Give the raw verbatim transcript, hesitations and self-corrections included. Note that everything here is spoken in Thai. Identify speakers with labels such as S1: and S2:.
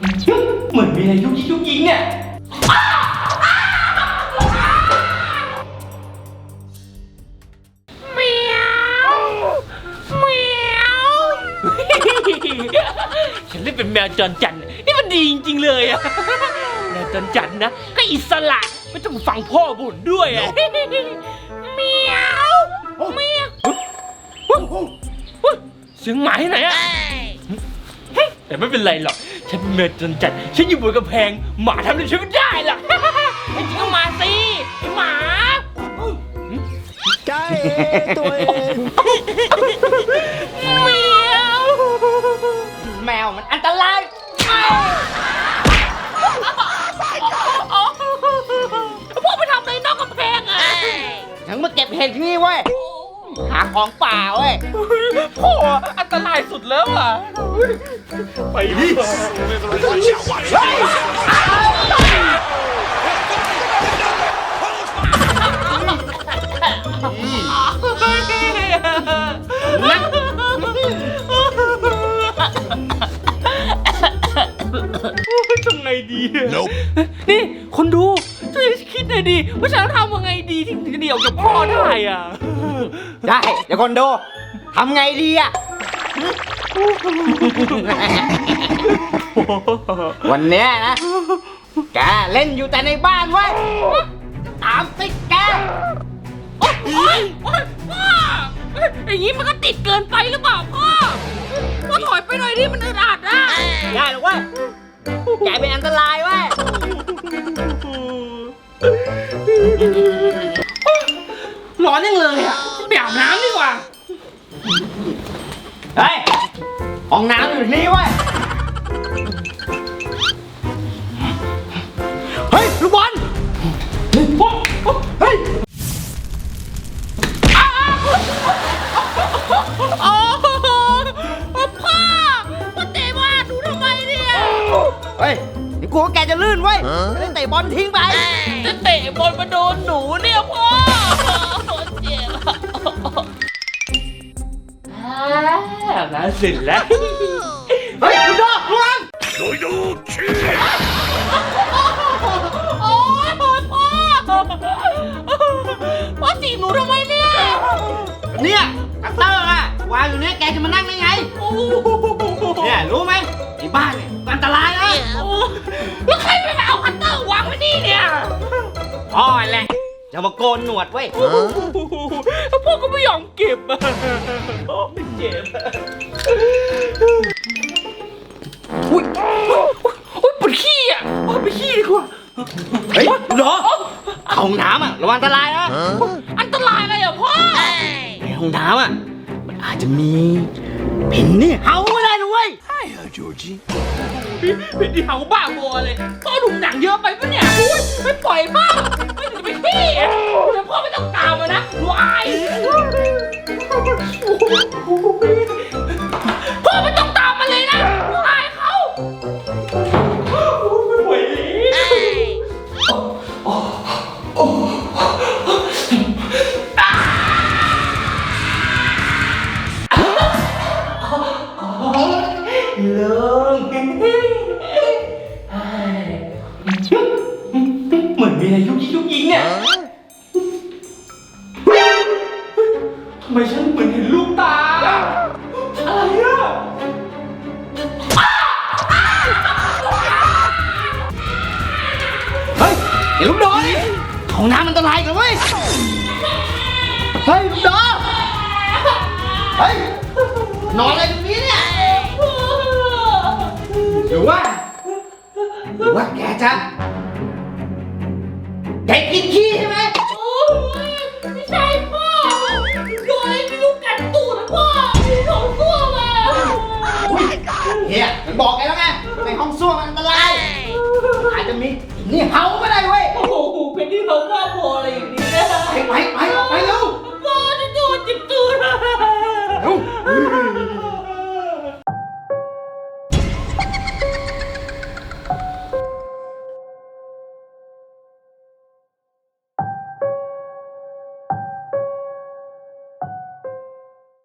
S1: เหมือนมีอะไรยุกยิกยุกยิกเนี่ยเมียวเมียวฉันเล่นเป็นแมวจรจัดนี่มันดีจริงๆเลยอะแมวจรจัดนะก็อิสระไม่ต้องฟังพ่อบ่นด้วยอะเมียวเมียวเสียงหมาที่ไหนอะแต่ไม่เป็นไรหรอกฉันเมดจนจัดฉันอยู่บนกำแพงหมาทำอะไรฉันไม่ได้หรอกจริงก็มาสิไอหมา
S2: ใจตัวเอง
S1: เมียวแมวมันอันตรายพวกไปทำอะไรนอกกำแพงอ่ะฉันมาเก็บเห็ดที่นี่เว้ยหาของป่าเว้ยพ่ออันตรายสุดแล้วอ่ะไปดิทำไงดีนี่คนดูช่วยคิดหน่อยดิว่าฉันทำยังไงดีถึงจะเดี่ยวกับพ่อได้อ่ะ
S2: ได้เดี๋ยวคนดูทำไงดีอ่ะวันเนี้ยนะแกเล่นอยู่แต่ในบ้านเว้ยตามติดแก
S1: โอ๊ยโอ๊ยพ่ออย่างนี้มันก็ติดเกินไปหรือเปล่าพ่อพ่อถอยไปหน่อยดิมันอึดอัดนะ
S2: ได้หรอวะแกเป็นอันตรายเว้ย
S1: ร้อนยังเลยอ่ะไปอาบน้ำดีกว่า
S2: เฮ้ยห้องน้ำอยู่นี่เว้ยเฮ้ยลูกบอลเฮ้ย
S1: โอ้พ่อพ่อเตะว่าหนูทำไมเนี่ย
S2: เฮ้ยนี่กลัวแกจะลื่นเว้ยจะได้เตะบอลทิ้งไป
S1: จะเตะบอลมาโดนหนูเนี่ยพ่อเจ็บน่าสินแล้ว
S2: เฮ้ยคุณดอกระวัง
S1: โดยดูชีโอ้ยพ่อพ่อพ่อจีบหนูทำไมเนี่ย
S2: เนี่ยคัตเตอร์อะวางอยู่เนี่ยแกจะมานั่งได้ไงเนี่ยรู้ไหมที่บ้านเนี่ยอันตรายนะ
S1: แล้วใครไปเอาคัตเตอร์วางไว้นี่เนี่ย
S2: พ่อแหละจะมาโกนหนวดเว้ย
S1: พ่อก็ไม่ยอมเก็บอ่ะเจ็บอุ้ยอุ้ยปวดขี้อ่ะไปขี้ดีกว่า
S2: เฮ้ยเหรอห้องน้ำอ่ะระวังอันตรายนะ
S1: อันตรายอะไรอ่ะพ่อ
S2: ในห้องน้ำอ่ะมันอาจจะมีเป็นนี่เห่าไม่ได้นะเว้ย
S1: เป็นที่เห่าบ้าบอเลยพ่อดูหนังเยอะไปปะเนี่ยไม่ปล่อยพ่อไม่ถึงไปขี้เดี๋ยวพ่อไม่ต้องตามมานะวายพ่อไม่ต้องตามมาเลยนะวายเขาไม่ไหวเลิงเหมือนมีอะไรยุกยิกยุกยิกเนี่ยทำไมฉันเหมือนเห็นลูกตาอะไรอะ
S2: เฮ้ยไอ้ลูกดอนี่ห้องน้ำอันตรายกันเว้ยเฮ้ยลูกดอเฮ้ยนอนอะไรตรงนี้เนี่ยหรือว่าหรือว่าแกจะแกกินขี้ใช่ไหม
S1: โอ้ยไม่ใช่พ่อโดนอะไรไม่รู้กัดตูดพ่อมีท้องส้วมอ่ะ
S2: เฮียมันบอกแกแล้วไงในห้องส้วมมันอันตรายอาจจะมีนี่เห่าไป